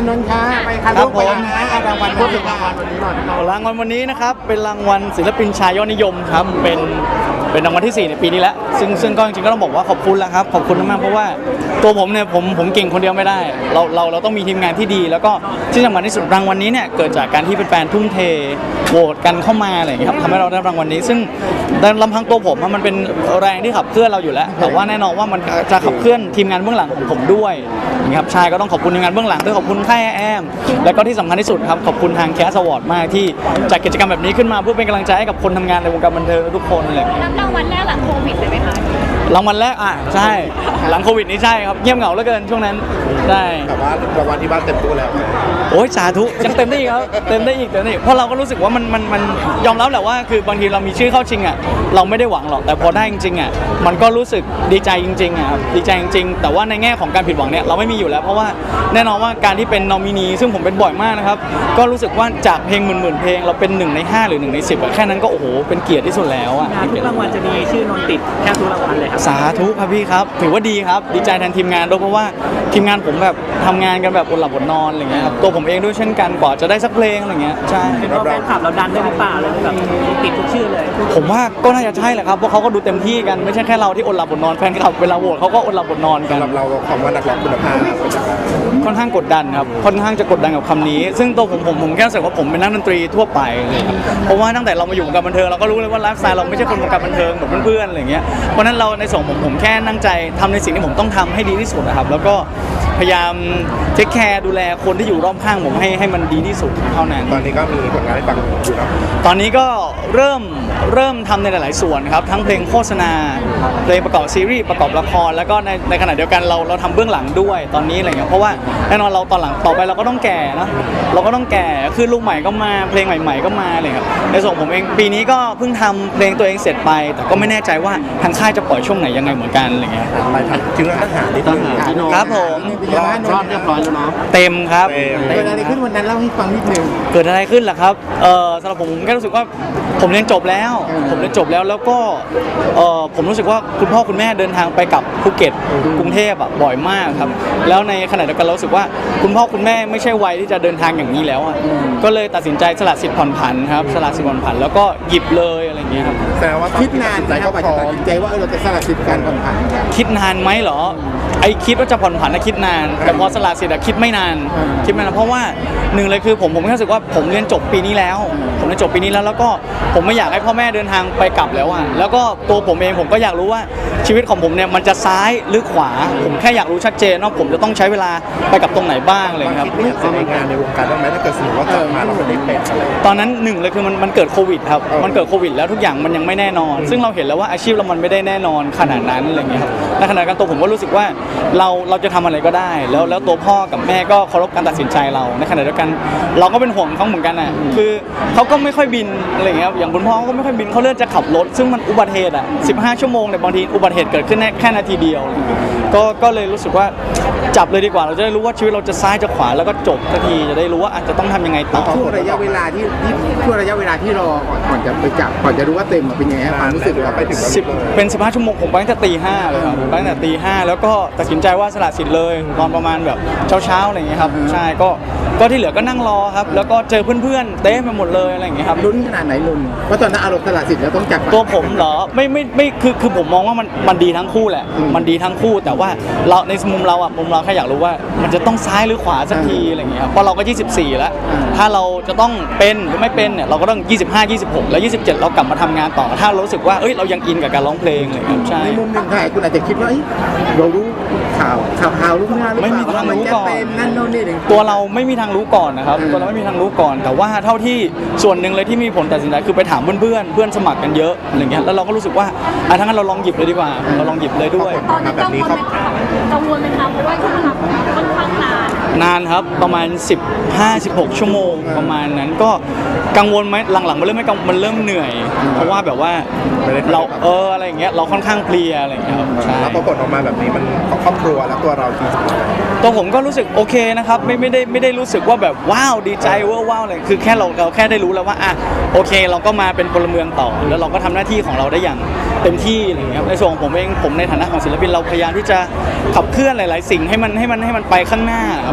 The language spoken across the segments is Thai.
านนท์ค่ะไปค่ะลูกไปนะรางวัลพูดถึงรางวัลวันนี้หน่อยรางวัลวันนี้นะครับเป็นรางวัลศิลปินชายยอดนิยมครับเป็นรางวัลที่4ในปีนี้แล้วซึ่งก็จริงๆก็ต้องบอกว่าขอบคุณแล้วครับขอบคุณมากๆเพราะว่าตัวผมเนี่ยผมเก่งคนเดียวไม่ได้เราต้องมีทีมงานที่ดีแล้วก็ที่สำคัญที่สุดรางวัลนี้เนี่ยเกิดจากการที่แฟนๆทุ่มเทโหวตกันเข้ามาอะไรอย่างเงี้ยครับทำให้เราได้รางวัลนี้ซึ่งลำพังตัวผมมันเป็นแรงที่ขับเคลื่อนเราอยู่แล้วแต่ว่าแน่นอนว่ามันจะขับเคลื่อนทีมงานเบื้องหลังของผมด้วยนะครับชายก็ต้องขอบคุณทีมงานเบื้องหลังด้วยขอบคุณค่ายแอมแล้วก็ที่สำคัญที่สุดครับขอบคุณทางแคสอวอร์ดมากที่จัดกิจกรรมแบบนี้ขึ้นมาเพื่อเป็นกำลังใจให้กับคนทำงานในวงการบันเทิงทุกคนเลยรับรางวัลแรกหลังโควิดเลยไหมคะรางวัลแรกใช่หลังโควิดนี่ใช่ครับเงียบเหงาเหลือเกินช่วงนั้นใช่แต่ว่ารางวัลที่บ้านเต็มตู้แล้วโอ้ยสาธุยังเต็มได้อีกครับเต็มได้อีกเพราะเราก็รู้สึกว่ามันยอมรับแหละว่าคือบางทีเรามีชื่อเข้าชิงอ่ะเราไม่ได้หวังหรอกแต่พอได้จริงๆอ่ะมันก็รู้สึกดีใจจริงๆอ่ะครับดีใจจริงๆแต่ว่าในแง่ของการผิดหวังเนี่ยเราไม่มีอยู่แล้วเพราะว่าแน่นอนว่าการที่เป็นนอมินีซึ่งผมเป็นบ่อยมากนะครับก็รู้สึกว่าจากเพลงหมื่นเพลงเราเป็น1 ใน 5หรือ1 ใน 10อ่ะแค่นั้นก็โอ้โหเป็นเกียรติที่สุดแล้วอ่ะทุกรางวัลจะมีชื่อนนท์ติดแทบทุกรางวัลเลยครับสาธุครับพี่ครับถือว่าดีครับดีใจแทนทีมงานด้วยเพราะว่าทีมงานผมแบบทำงานกันแบบอดหลับอดนอนอะไรเงี้ยครับตัวผมเองด้วยเช่นกันกว่าจะได้สักเพลงอะไรเงี้ยใช่เป็นเพราะแฟนคลับเราดันด้วยหรือเปล่าเลยแบบติดทุกชื่อเลยผมว่าก็น่าจะใช่แหละครับเพราะเขาก็ดูเต็มที่กันไม่ใช่แค่เราที่อดหลับอดนอนแฟนคลับเวลาโหวตเขาก็อดหลับอดนอนกันสำหรับเราความว่านักร้องคุณภาพค่อนข้างกดดันครับค่อนข้างจะกดดันกับคำนี้ ซึ่งตัวผมแค่รู้สึกว่าผมเป็นนักดนตรีทั่วไปเลยครับเพราะว่าตั้งแต่เรามาอยู่วงการบันเทิงเราก็รู้เลยว่าไลฟ์สไตล์เราไม่ใช่คนวงการบันเทิงเหมือนเพื่อนๆอะไรเงี้ยเพราะนั้นเราในส่วนผมแค่ตั้งใจทำในสิ่งที่ผมต้องทำให้ดีที่สุดนะครับแล้วก็พยายามเทคแคร์ดูแลคนที่อยู่รอบข้างผมให้มันดีที่สุดเท่านั้นตอนนี้ก็มีผลงานให้ฟังอยู่นะตอนนี้ก็เริ่มทำในหลายๆส่วนครับทั้งเพลงโฆษณาเพลงประกอบซีรีส์ประกอบละครแล้วก็ในขณะเดียวกันเราทำเบื้องหลังด้วยตอนนี้อะไรเงี้ยเพราะว่าแน่นอนเราตอนหลังต่อไปเราก็ต้องแก่นะเราก็ต้องแก่คือลูกใหม่ก็มาเพลงใหม่ๆก็มาเลยครับในส่วนผมเองปีนี้ก็เพิ่งทำเพลงตัวเองเสร็จไปแต่ก็ไม่แน่ใจว่าทางค่ายจะปล่อยช่วงไหนยังไงเหมือนกันอะไรเงี้ยไปทำถึงทหารที่ทหารครับผมรอบเรียบร้อยแล้วเนาะเต็มครับเกิดอะไรขึ้นวันนั้นเล่าให้ฟังนิดนึงเกิดอะไรขึ้นล่ะครับสำหรับผมแค่รู้สึกว่าผมเรียนจบแล้วแล้วก็ผมรู้สึกว่าคุณพ่อคุณแม่เดินทางไปกับภูเก็ตกรุงเทพบ่อยมากครับแล้วในขณะเดียวกันเรารู้สึกว่าคุณพ่อคุณแม่ไม่ใช่วัยที่จะเดินทางอย่างนี้แล้วก็เลยตัดสินใจสละสิทธิ์ผ่อนผันครับสละสิทธิ์ผ่อนผันแล้วก็หยิบเลยอะไรอย่างเงี้ยครับแต่ว่าคิดนานใจก็พอตัดสินใจว่าเราจะสละสิทธิ์การผ่อนผันคิดนานไหมเหรอไอคิดว่าจะผ่อนผันคิดนานแต่พอสละสิทธิ์คิดไม่นานเพราะว่าหนึ่งเลยคือผมแค่รู้สึกว่าผมเรียนจบปีนี้แล้วแล้วก็ผมไม่อยากให้พ่อแม่เดินทางไปกลับแล้วแล้วก็ตัวผมเองผมก็อยากรู้ว่าชีวิตของผมเนี่ยมันจะซ้ายหรือขวาผมแค่อยากรู้ชัดเจนว่าผมจะต้องใช้เวลาไปกับตรงไหนบ้างเลยครับคิดไม่อยากแสดงงานในวงการได้ไหมถ้าเกิดสมมติว่ากลับมาเราไม่ได้เป็นอะไรตอนนั้นหนึ่งเลยคือมันเกิดโควิดครับมันเกิดโควิดแล้วทุกอย่างมันยังไม่แน่นอนซึ่งเราเห็นแล้วว่าอาชีพเรามันไม่ได้แน่นอนขนาดนั้นอะไรเงี้ยครับในขณะเดียวกันตัวผมก็รู้สึกว่าเราจะทำอะไรก็ได้แล้วตัวพ่อกับแม่ก็เคารพการตัดสินใจเราในขณะเดียวกันเราก็เป็นห่วงเขาเหมือนกันคือเขาก็ไม่ค่อยบินอะไรเงี้ยอย่างคุณพ่อเขาก็ไม่ค่อยบินเขาเลือกจะขับรถซึ่งมันอุบัติเหตุ15 ชั่วโมงเนี่ยบางทีอุบัติเหตุเกิดขึ้นแค่นาทีเดียวก็เลยรู้สึกว่าจับเลยดีกว่าเราจะได้รู้ว่าชีวิตเราจะซ้ายจะขวาแล้วก็จบทันทีจะได้รู้ว่าอาจจะต้องทำยังไงต่อช่วงระยะเวลาที่รอก่อนจะไปจับก่อนจะรู้ว่าเต็มเป็นยังไงความรู้สึกเราไปถึงเป็น15 ชั่วโมงผมไปตั้งแต่ตี 5เลยครับไปตั้งแต่ตี 5แล้วก็ตัดสินใจว่าสละสิทธิ์เลยตอนประมาณแบบเช้าอะไรอย่างเงี้ยครับใช่ก็ที่เหลือก็นั่งรอครับแล้วก็เจอเพื่อนๆเต้ไปหมดเลยอะไรอย่างเงี้ยครับลุ้นขนาดไหนลุ้นว่าตอนนั้นอารมณ์สละสิทธิ์แล้วต้องจับตัวผมเหรอไม่คือผมมองว่ามันดีทั้งคู่แหละมันดีทั้งคู่แต่ว่าเราในมุมเราแค่อยากรู้ว่ามันจะต้องซ้ายหรือขวาสักทีอะไรอย่างเงี้ยเพราะเราก็24แล้วถ้าเราจะต้องเป็นหรือไม่เป็นเนี่ยเราก็ต้อง25 26แล้ว27เรากลับมาทำงานต่อถ้าเรารู้สึกว่าเรายังอินกับการร้องเพลงอะไรอย่างเงี้ยใช่ในมุมหนึ่งใครคุณอาจจะคิดว่าเรารู้ข่าวลูกหน้าหรือเปล่าไม่มีทางรู้ก่อนว่ามัจะเป็นนั่นโน่นนี่ตัวเราไม่มีทางรู้ก่อนนะครับตัวเราไม่มีทางรู้ก่อนแต่ว่าเท่าที่ส่วนหนึ่งเลยที่มีผลตัดสินใจคือไปถามเพื่อนสมัครกันเยอะอะไรเงี้ยแล้วเราก็รู้สึกว่าทั้งนั้นเราลองหยิบเลยดีกว่าเราลองหยิบเลยด้วยตอนนี้กังวลไหมคะเพราะว่าช่วงเวลาค่อนข้างนานครับประมาณ15-16 ชั่วโมงประมาณนั้นก็กังวลไหมหลังๆมันเริ่มไม่กังวลมันเริ่มเหนื่อยเพราะว่าแบบว่าเราอะไรอย่างเงี้ยเราค่อนข้างเพลียอะไรอย่างเงี้ยครับใช่แล้วพอผลออกมาแบบนี้มันครอบครัวและตัวเราจริงตัวผมก็รู้สึกโอเคนะครับไม่ได้รู้สึกว่าแบบว้าวดีใจว้าวอะไรคือแค่เราแค่ได้รู้แล้วว่าโอเคเราก็มาเป็นพลเมืองต่อแล้วเราก็ทำหน้าที่ของเราได้อย่างเต็มที่อะไรอย่างเงี้ยในส่วนของผมเองผมในฐานะของศิลปินเราพยายามที่จะขับเคลื่อนหลายๆสิ่งให้มันไปข้างหน้าครับ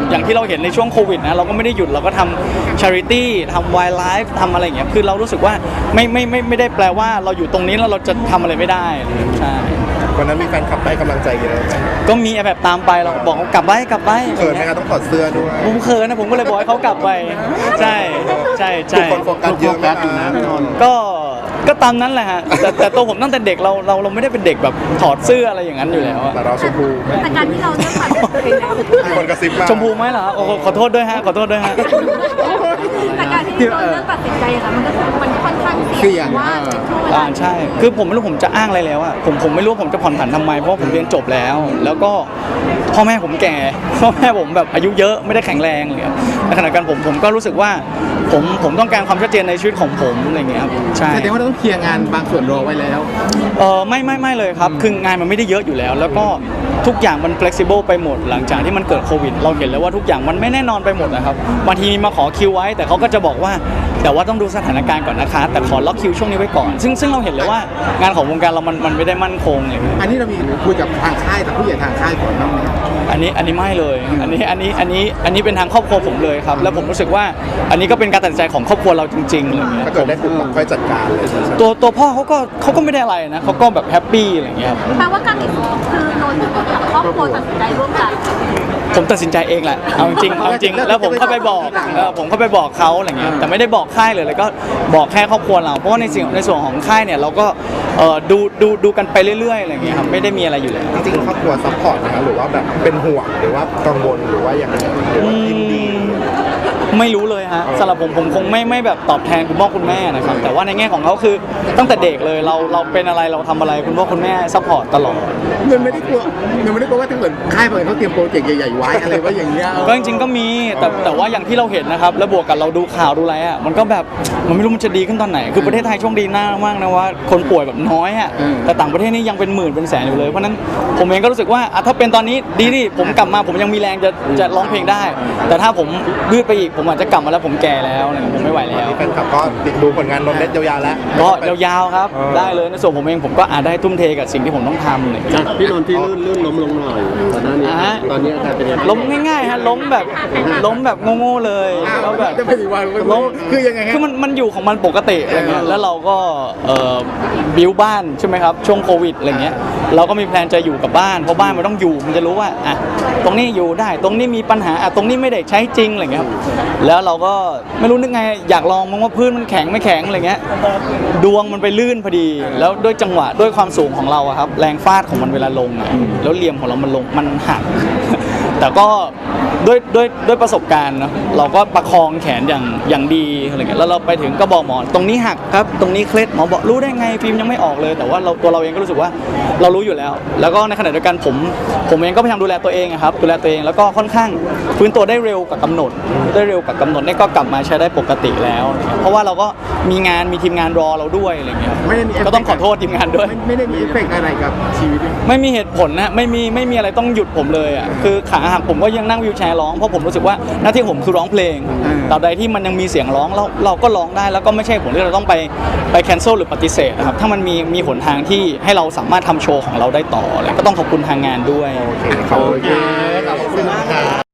อย่างที่เราเห็นในช่วงโควิดนะเราก็ไม่ได้หยุดเราก็ทำ charity ทำ wildlife ทำอะไรอย่างเงี้ยคือเรารู้สึกว่าไม่ได้แปลว่าเราอยู่ตรงนี้แล้วเราจะทำอะไรไม่ได้ใช่วันนั้นมีแฟนคลับให้กำลังใจเยอะไหมก็มีแบบตามไปเราบอกเขากลับไปเขินไหมครับต้องถอดเสื้อด้วยผมเขินนะผมก็เลยบอกให้เขากลับไปใช่ใช่ทุกใช่คนโฟกัสเยอะไหมครับก็ตามนั้นแหละฮะแต่ตัวผมตั้งแต่เด็กเราไม่ได้เป็นเด็กแบบถอดเสื้ออะไรอย่างนั้นอยู่แล้วอะแต่เราชมพูแต่การที่เราเลือกปัดเป็นแล้วมีคนกระซิบมาชมพูไหมเหรอโอ้โหขอโทษด้วยฮะขอโทษด้วยฮะแต่การที่เราเลือกตัดสินใจอะค่ะมันค่อนข้างเสี่ยงว่าช่วงเวลาใช่คือผมไม่รู้ผมจะอ้างอะไรแล้วอะผมไม่รู้ว่าผมจะผ่อนผันทำไมเพราะว่าผมเรียนจบแล้ว แล้วก็พ่อแม่ผมแก่พ่อแม่ผมแบบอายุเยอะไม่ได้แข็งแรงเลยครับในขณะเดียวกันผมก็รู้สึกว่าผมต้องการความชัดเจนในชีวิตของผมอะไรอย่างเงี้ยครับใช่แสดงว่าเราต้องเคลียร์งานบางส่วนรอไว้แล้วไม่เลยครับคืองานมันไม่ได้เยอะอยู่แล้ว แล้วก็ทุกอย่างมัน flexible ไปหมดหลังจากที่มันเกิดโควิดเราเห็นแล้วว่าทุกอย่างมันไม่แน่นอนไปหมดนะครับบางทีมาขอคิวไว้แต่เขาก็จะบอกว่าแต่ว่าต้องดูสถานการณ์ก่อนนะคะแต่ขอล็อกคิวช่วงนี้ไว้ก่อนซึ่งเราเห็นเลยว่างานของวงการเรามันไม่ได้มั่นคงเลยอันนี้เรามีคุยกับทางค่ายกับผู้ใหญ่ทางค่ายก่อนบ้างไหมอันนี้ไม่เลยอันนี้เป็นทางครอบครัวผมเลยครับแล้วผมรู้สึกว่าอันนี้ก็เป็นการตัดสินใจของครอบครัวเราจริงๆอะไรเงี้ยถ้าเกิดได้ปุ๊บค่อยจัดการเลยตัวพ่อเขาก็ไม่ได้อะไรนะเขาก็แบบแฮปปี้อะไรเงี้ยครับแปลว่าการตัดสินใจคือนนท์กับครอบครัวตัดสินใจร่วมกันผมตัดสินใจเองแหละเอาจริงแล้วผมเข้าไปบอกเขาอะไรเงี้ยแต่ไม่ได้บอกค่ายเลยแล้วก็บอกแค่ครอบครัวเราเพราะว่าในส่วนของค่ายเนี่ยเราก็ดูกันไปเรื่อยๆอะไรเงี้ยครับไม่ได้มีอะไรอยู่แล้วจริงๆครอบครัวซัพพอร์ตนะครับหรือว่าแบบเป็นห่วงหรือว่ากังวลหรือว่าอย่างไรหรือว่ายินดีไม่รู้เลยฮะสำหรับผมคงไม่แบบตอบแทนคุณพ่อคุณแม่นะครับแต่ว่าในแง่ของเขาคือตั้งแต่เด็กเลยเราเป็นอะไรเราทำอะไรคุณพ่อคุณแม่ซัพพอร์ตตลอดเงินไม่ได้กลัวว่าถ้าเกิดค่ายเปิดเขาเตรียมโปรเจกต์ใหญ่ๆไว้อะไรไว้อย่างเงี้ยก็จริงๆก็มีแต่ว่าอย่างที่เราเห็นนะครับแล้วบวกกับเราดูข่าวดูอะไรอ่ะมันก็แบบมันไม่รู้มันจะดีขึ้นตอนไหนคือประเทศไทยโชคดีมากนะว่าคนป่วยแบบน้อยอ่ะแต่ต่างประเทศนี่ยังเป็นหมื่นเป็นแสนอยู่เลยเพราะนั้นผมเองก็รู้สึกว่าถ้าเป็นตอนนี้ดีดิผมกลับมาผมยังมีแรงจะร้องเพลงได้ แต่ถ้าผมยืดไปอีกผมอาจจะกลับมาแล้วผมแก่แล้วผมไม่ไหวแล้วแฟนคลับก็ติดดูผลงานนนท์เล็ดยาวๆแล้วก็ยาวๆครับได้เลยในส่วนผมเองผมก็อาจได้ทุ่มเทกับสิ่งที่ผมต้องทำเลยจากพี่นนท์ที่ลื่นล้มลงหน่อยตอนหน้านี้ตอนนี้อาการเป็นยังไงล้มง่ายๆฮะล้มแบบโง่ๆเลยแล้วแบบจะไปถึงวันคือยังไงฮะคือมันอยู่ของมันปกติอะไรเงี้ยแล้วเราก็บิวบ้านใช่ไหมครับช่วงโควิดอะไรเงี้ยเราก็มีแพลนจะอยู่กับบ้านเพราะบ้านมันต้องอยู่มันจะรู้ว่าอ่ะตรงนี้อยู่ได้ตรงนี้มีปัญหาอ่ะตรงนี้ไม่ได้ใช้จริงอะไรเงี้ยครับแล้วเราก็ไม่รู้นึกไงอยากลองมั้งว่าพื้นมันแข็งไม่แข็งอะไรเงี้ยดวงมันไปลื่นพอดีแล้วด้วยจังหวะด้วยความสูงของเราอะครับแรงฟาดของมันเวลาลงอะแล้วเหลี่ยมของเรามันลงมันหัก แต่ก็ด้วยประสบการณ์เนาะเราก็ประคองแขนอย่างดีอะไรเงี้ยแล้วเราไปถึงก็บอกหมอตรงนี้หักครับตรงนี้เคล็ดหมอบอกรู้ได้ไงฟิล์มยังไม่ออกเลยแต่ว่าตัวเราเองก็รู้สึกว่าเรารู้อยู่แล้วแล้วก็ในขณะเดียวกันผมเองก็พยายามดูแลตัวเองครับดูแลตัวเองแล้วก็ค่อนข้างฟื้นตัวได้เร็วกับกำหนดนี่ก็กลับมาใช้ได้ปกติแล้วเพราะว่าเราก็มีทีมงานรอเราด้วยอะไรเงี้ยไม่ได้มีก็ต้องขอโทษทีมงานด้วยไม่ได้มีเอฟเฟกต์อะไรกับชีวิตไม่มีเหตุผลนะไม่มีอะไรต้องหยุดผมเลยอ่ะคือขาหักผมก็ยังนั่งวีลแชร์ร้องเพราะผมรู้สึกว่าหน้าที่ผมคือร้องเพลงตราบใดที่มันยังมีเสียงร้องเราก็ร้องได้แล้วก็ไม่ใช่ผลที่เราต้องไปแคนเซิลหรือปฏิเสธนะครับถ้ามันมีหนทางที่ให้เราสามารถทำโชว์ของเราได้ต่อเลยก็ต้องขอบคุณทางงานด้วยโอเคขอบคุณมากครับ